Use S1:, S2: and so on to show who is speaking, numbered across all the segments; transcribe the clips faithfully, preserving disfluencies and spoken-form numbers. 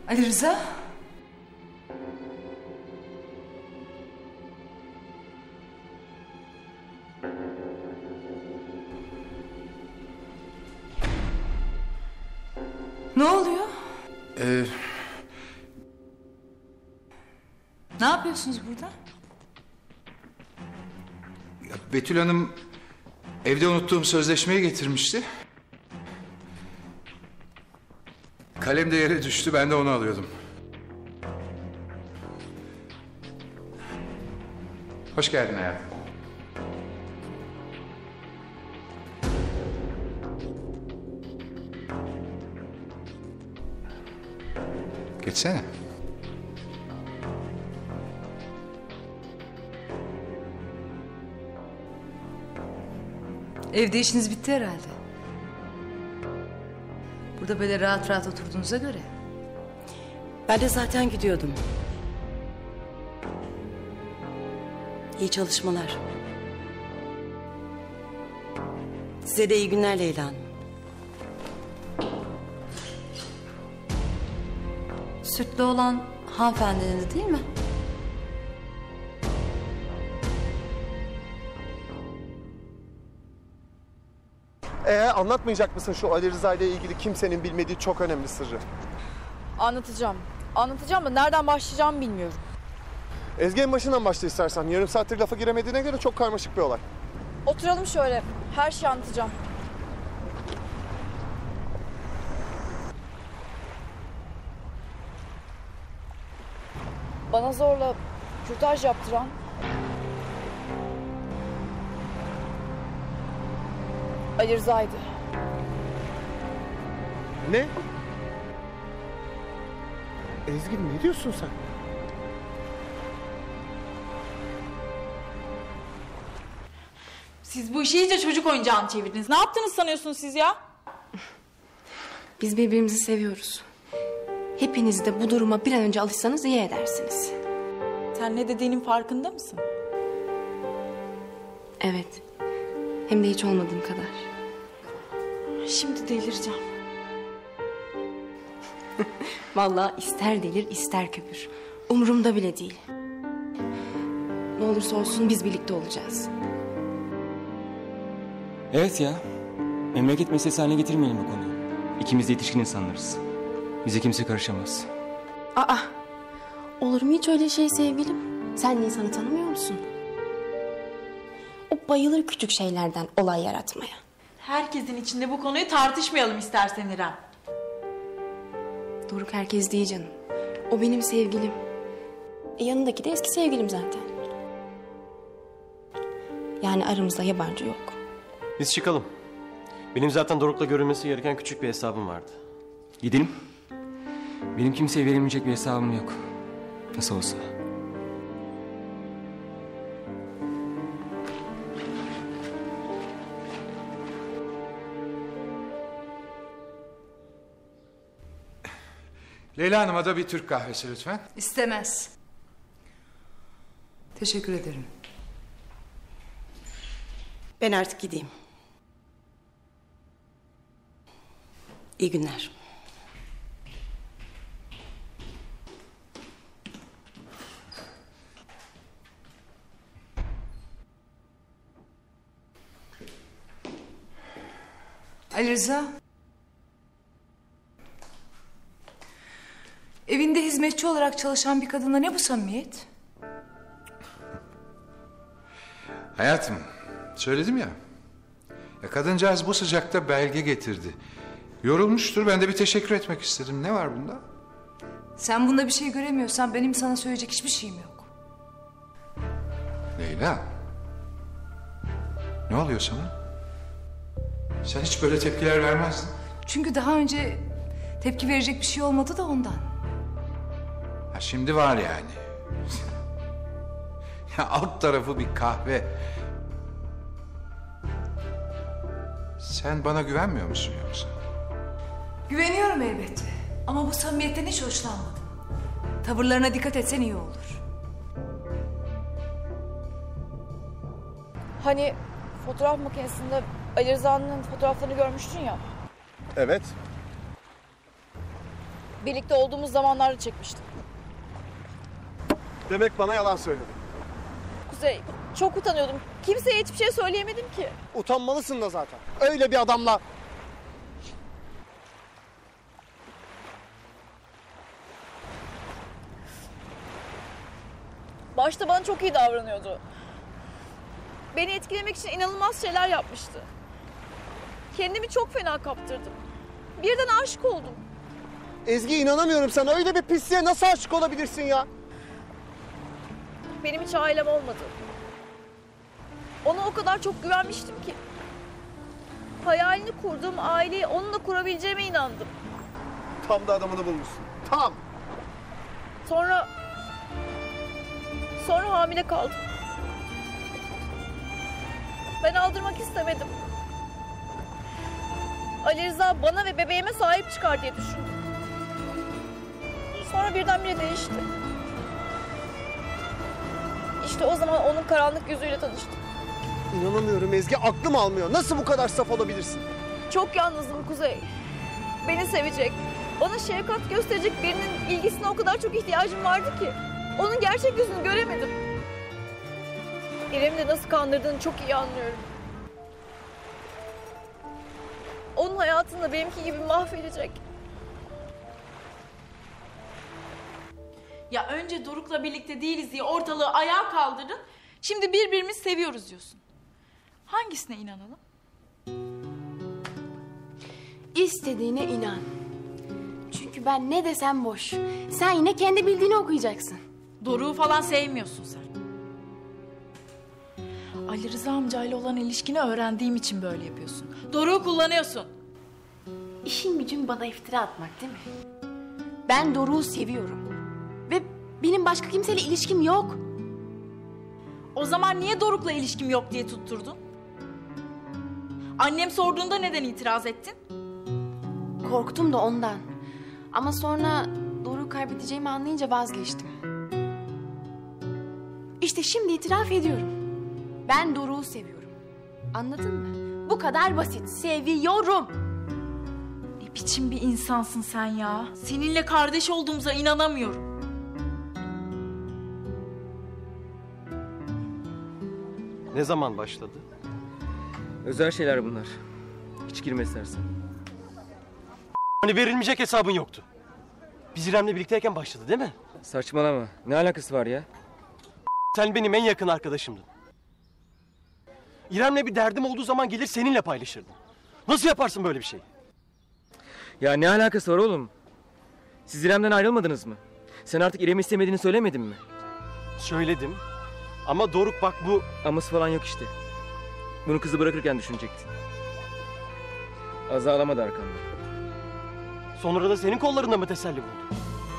S1: Ali Rıza? Ne oluyor?
S2: Ee...
S1: Ne yapıyorsunuz burada?
S2: Ya Betül Hanım evde unuttuğum sözleşmeyi getirmişti. Kalem de yere düştü, ben de onu alıyordum. Hoş geldin hayatım. Geçsene.
S1: Evde işiniz bitti herhalde. Burada böyle rahat rahat oturduğunuza göre.
S3: Ben de zaten gidiyordum. İyi çalışmalar. Size de iyi günler Leyla Hanım.
S4: Sütlü olan hanımefendiniz değil mi?
S5: Ee, anlatmayacak mısın şu Ali Rıza ile ilgili kimsenin bilmediği çok önemli sırrı?
S6: Anlatacağım. Anlatacağım da nereden başlayacağımı bilmiyorum.
S5: Ezgi en başından başla istersen. Yarım saattir lafa giremediğine göre çok karmaşık bir olay.
S6: Oturalım şöyle. Her şeyi anlatacağım. Bana zorla kürtaj yaptıran... Ali Rıza'ydı.
S5: Ne? Ezgi ne diyorsun sen?
S6: Siz bu işi iyice çocuk oyuncağını çevirdiniz. Ne yaptınız sanıyorsunuz siz ya?
S4: Biz birbirimizi seviyoruz. Hepiniz de bu duruma bir an önce alışsanız iyi edersiniz.
S6: Sen ne dediğinin farkında mısın?
S4: Evet. Hem de hiç olmadığım kadar.
S6: Şimdi delireceğim.
S4: Vallahi ister delir ister köpür. Umurumda bile değil. Ne olursa olsun biz birlikte olacağız.
S7: Evet ya. Memleket meselesi haline getirmeyelim bu konuyu. İkimiz de yetişkin insanlarız. Bize kimse karışamaz.
S4: Aa! Olur mu hiç öyle şey sevgilim? Sen insanı tanımıyor musun? O bayılır küçük şeylerden olay yaratmaya.
S6: Herkesin içinde bu konuyu tartışmayalım istersen İrem.
S4: Doruk herkes değil canım. O benim sevgilim. E yanındaki de eski sevgilim zaten. Yani aramızda yabancı yok.
S8: Biz çıkalım. Benim zaten Doruk'la görülmesi gereken küçük bir hesabım vardı.
S7: Gidelim. Benim kimseye verilmeyecek bir hesabım yok. Nasıl olsa.
S2: Leyla Hanım'a da bir Türk kahvesi lütfen.
S1: İstemez. Teşekkür ederim.
S3: Ben artık gideyim. İyi günler.
S1: Ali Rıza. Evinde hizmetçi olarak çalışan bir kadınla ne bu samimiyet?
S2: Hayatım, söyledim ya. Ya kadıncağız bu sıcakta belge getirdi. Yorulmuştur, ben de bir teşekkür etmek istedim. Ne var bunda?
S1: Sen bunda bir şey göremiyorsan benim sana söyleyecek hiçbir şeyim yok.
S2: Leyla. Ne oluyor sana? Sen hiç böyle tepkiler vermezdin.
S1: Çünkü daha önce tepki verecek bir şey olmadı da ondan.
S2: Ha şimdi var yani. Ya alt tarafı bir kahve. Sen bana güvenmiyor musun yoksa?
S1: Güveniyorum elbette. Ama bu samimiyetten hiç hoşlanmadım. Tavırlarına dikkat etsen iyi olur.
S6: Hani fotoğraf makinesinde Ali Rıza'nın fotoğraflarını görmüştün ya.
S5: Evet.
S6: Birlikte olduğumuz zamanlarda çekmiştim.
S5: Demek bana yalan söyledin.
S6: Kuzey, çok utanıyordum. Kimseye hiçbir şey söyleyemedim ki.
S5: Utanmalısın da zaten. Öyle bir adamla...
S6: Başta bana çok iyi davranıyordu. Beni etkilemek için inanılmaz şeyler yapmıştı. Kendimi çok fena kaptırdım. Birden aşık oldum.
S5: Ezgi, inanamıyorum sana. Öyle bir pisliğe nasıl aşık olabilirsin ya?
S6: Benim hiç ailem olmadı. Ona o kadar çok güvenmiştim ki. Hayalini kurduğum aileyi onunla kurabileceğime inandım.
S5: Tam da adamını bulmuşsun. Tam.
S6: Sonra... Sonra hamile kaldım. Ben aldırmak istemedim. Ali Rıza bana ve bebeğime sahip çıkar diye düşündüm. Sonra birdenbire değişti. İşte o zaman onun karanlık yüzüyle tanıştım.
S5: İnanamıyorum Ezgi. Aklım almıyor. Nasıl bu kadar saf olabilirsin?
S6: Çok yalnızdım Kuzey. Beni sevecek, bana şefkat gösterecek birinin ilgisine o kadar çok ihtiyacım vardı ki. Onun gerçek yüzünü göremedim. İrem'i de nasıl kandırdığını çok iyi anlıyorum. Onun hayatını da benimki gibi mahvedecek.
S9: Ya önce Doruk'la birlikte değiliz diye ortalığı ayağa kaldırdın. Şimdi birbirimizi seviyoruz diyorsun. Hangisine inanalım?
S4: İstediğine inan. Çünkü ben ne desem boş. Sen yine kendi bildiğini okuyacaksın.
S9: Doruk'u falan sevmiyorsun sen. Ali Rıza amcayla olan ilişkini öğrendiğim için böyle yapıyorsun. Doruk'u kullanıyorsun.
S4: İşin gücün bana iftira atmak değil mi? Ben Doruk'u seviyorum. Ve benim başka kimseyle ilişkim yok.
S9: O zaman niye Doruk'la ilişkim yok diye tutturdun? Annem sorduğunda neden itiraz ettin?
S4: Korktum da ondan. Ama sonra Doruk'u kaybedeceğimi anlayınca vazgeçtim. İşte şimdi itiraf ediyorum. Ben Doruk'u seviyorum. Anladın mı? Bu kadar basit. Seviyorum.
S9: Ne biçim bir insansın sen ya? Seninle kardeş olduğumuza inanamıyorum.
S8: Ne zaman başladı?
S7: Özel şeyler bunlar. Hiç girme istersen.
S8: Hani verilmeyecek hesabın yoktu. Biz İrem'le birlikteyken başladı değil mi?
S7: Saçmalama. Ne alakası var ya?
S8: Sen benim en yakın arkadaşımdın. İrem'le bir derdim olduğu zaman gelir seninle paylaşırdım. Nasıl yaparsın böyle bir şey?
S7: Ya ne alakası var oğlum? Siz İrem'den ayrılmadınız mı? Sen artık İrem'i istemediğini söylemedin mi?
S8: Söyledim. Ama Doruk bak bu...
S7: Aması falan yok işte. Bunu kızı bırakırken düşünecektin. Az ağlamadı arkamda.
S8: Sonra da senin kollarında mı teselli buldu?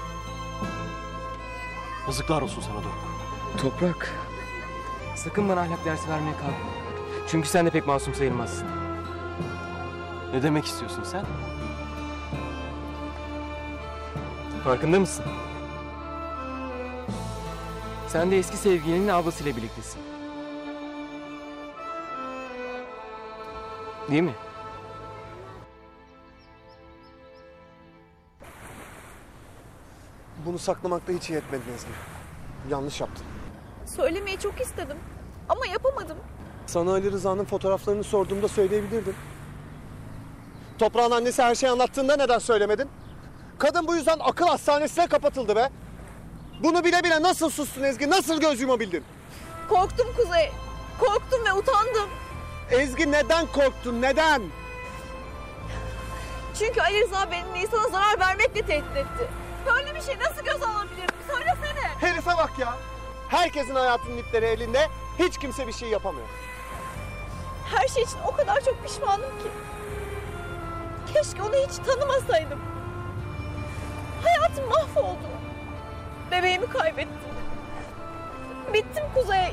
S8: Yazıklar olsun sana Doruk.
S7: Toprak. Sakın bana ahlak dersi vermeye kalkma. Çünkü sen de pek masum sayılmazsın.
S8: Ne demek istiyorsun sen?
S7: Farkında mısın? Sen de eski sevgilinin ablasıyla birliktesin. Değil mi?
S5: Bunu saklamakta hiç iyi etmedin Ezgi. Yanlış yaptın.
S6: Söylemeyi çok istedim ama yapamadım.
S5: Sana Ali Rıza'nın fotoğraflarını sorduğumda söyleyebilirdin. Toprağın annesi her şeyi anlattığında neden söylemedin? Kadın bu yüzden akıl hastanesine kapatıldı be. Bunu bile bile nasıl sustun Ezgi? Nasıl göz yumabildin?
S6: Korktum Kuzey. Korktum ve utandım.
S5: Ezgi, neden korktun? Neden?
S6: Çünkü Ali Rıza beni Nisan'a zarar vermekle tehdit etti. Böyle bir şey nasıl göz alabilirim? Söylesene.
S5: Herife bak ya. Herkesin hayatının ipleri elinde. Hiç kimse bir şey yapamıyor.
S6: Her şey için o kadar çok pişmanım ki. Keşke onu hiç tanımasaydım. Hayatım mahvoldu. Bebeğimi kaybettim. Bittim Kuzey.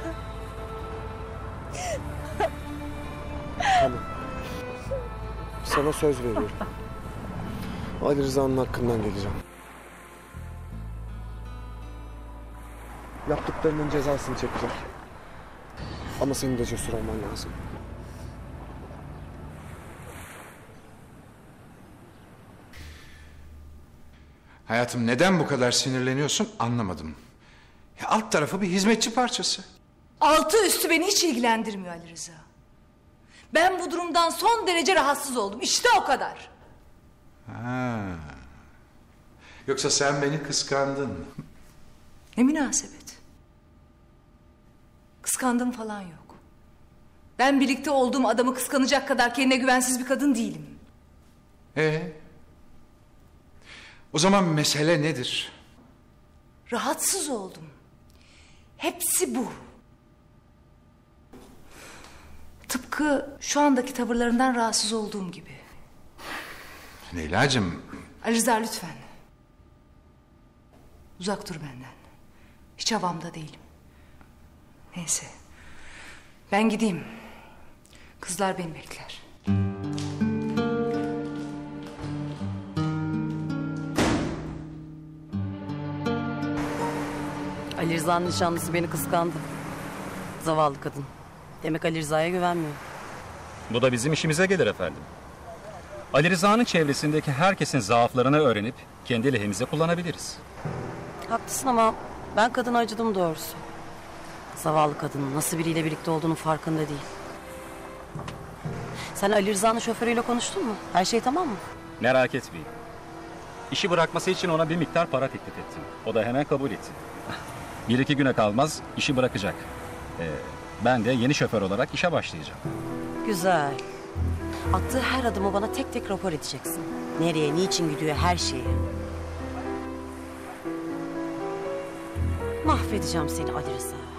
S5: Tamam. Sana söz veriyorum. Ali Rıza'nın hakkından geleceğim. Yaptıklarının cezasını çekecek. Ama senin de cesur olman lazım.
S2: Hayatım, neden bu kadar sinirleniyorsun anlamadım. Ya alt tarafı bir hizmetçi parçası.
S1: Altı üstü beni hiç ilgilendirmiyor Ali Rıza. Ben bu durumdan son derece rahatsız oldum. İşte o kadar.
S2: Ha. Yoksa sen beni kıskandın.
S1: Ne münasebet. Kıskandım falan yok. Ben birlikte olduğum adamı kıskanacak kadar kendine güvensiz bir kadın değilim.
S2: Ee? O zaman mesele nedir?
S1: Rahatsız oldum. Hepsi bu. Tıpkı şu andaki tavırlarından rahatsız olduğum gibi.
S2: Leyla'cığım.
S1: Ali Rıza lütfen. Uzak dur benden. Hiç havamda değilim. Neyse. Ben gideyim. Kızlar beni bekler.
S3: Ali Rıza'nın nişanlısı beni kıskandı. Zavallı kadın. Demek Ali Rıza'ya güvenmiyor.
S10: Bu da bizim işimize gelir efendim. Ali Rıza'nın çevresindeki herkesin zaaflarını öğrenip kendi lehimize kullanabiliriz.
S3: Haklısın ama ben kadına acıdım doğrusu. Zavallı kadının nasıl biriyle birlikte olduğunun farkında değil. Sen Ali Rıza'nın şoförüyle konuştun mu? Her şey tamam mı?
S10: Merak etmeyin. İşi bırakması için ona bir miktar para teklif ettim. O da hemen kabul etti. Bir iki güne kalmaz işi bırakacak. Ee, ben de yeni şoför olarak işe başlayacağım.
S3: Güzel. Attığı her adımı bana tek tek rapor edeceksin. Nereye, niçin gidiyor, her şeyi. Mahvedeceğim seni Ali Rıza.